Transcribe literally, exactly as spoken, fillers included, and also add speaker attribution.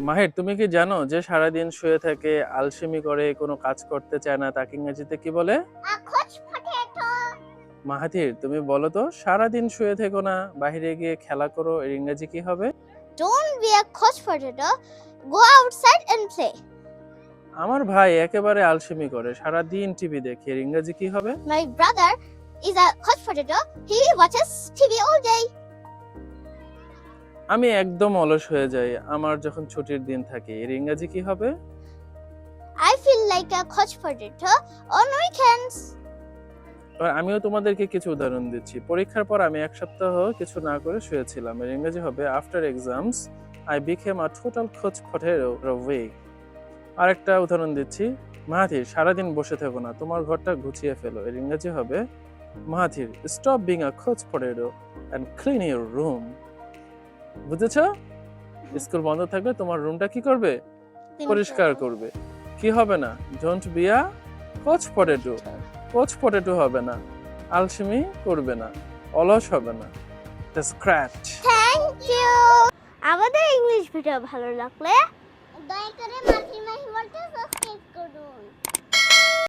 Speaker 1: মাহির, তুমি কি জানো যে সারাদিন শুয়ে থাকে, আলসেমি করে, কোনো কাজ করতে চায় না, তাকে ইংরেজিতে কি বলে?
Speaker 2: A couch potato.
Speaker 1: মাহাথির, তুমি বলো তো, সারাদিন শুয়ে থেকো না, বাইরে গিয়ে খেলা করো, এর ইংরেজি কি হবে?
Speaker 2: Don't be a couch potato. Go outside and play.
Speaker 1: আমার ভাই একেবারে আলসেমি করে, সারাদিন টিভি দেখে, এর ইংরেজি কি হবে?
Speaker 2: My brother is a couch potato. He watches T V all day.
Speaker 1: আমি একদম অলস হয়ে যাই আমার যখন ছুটির দিন থাকে, এর ইংরেজি কি হবে?
Speaker 2: I feel like a couch potato on weekends.
Speaker 1: এবার আমিও তোমাদেরকে কিছু উদাহরণ দিচ্ছি। পরীক্ষার পর আমি এক সপ্তাহ কিছু না করে শুয়েছিলাম, এর ইংরেজি হবে after exams I became a total couch potato week. আরেকটা উদাহরণ দিচ্ছি, মাহাথির সারাদিন বসে থেকো না, তোমার ঘরটা গুছিয়ে ফেলো, এর ইংরেজি হবে Mahathir stop being a couch potato and clean your room. বুঝেছো? স্কুল বন্ধ থাকলে তোমার রুমটা কি করবে? পরিষ্কার করবে। কি হবে না? Don't be a couch potato. Couch potato হবে না, আলসেমি করবে না, অলস হবে না, স্ক্র্যাচ।
Speaker 2: Thank you. আমাদের ইংলিশ ভিডিও ভালো লাগলে দয়া করে মাতৃমাহি বলতে সাবস্ক্রাইব করুন।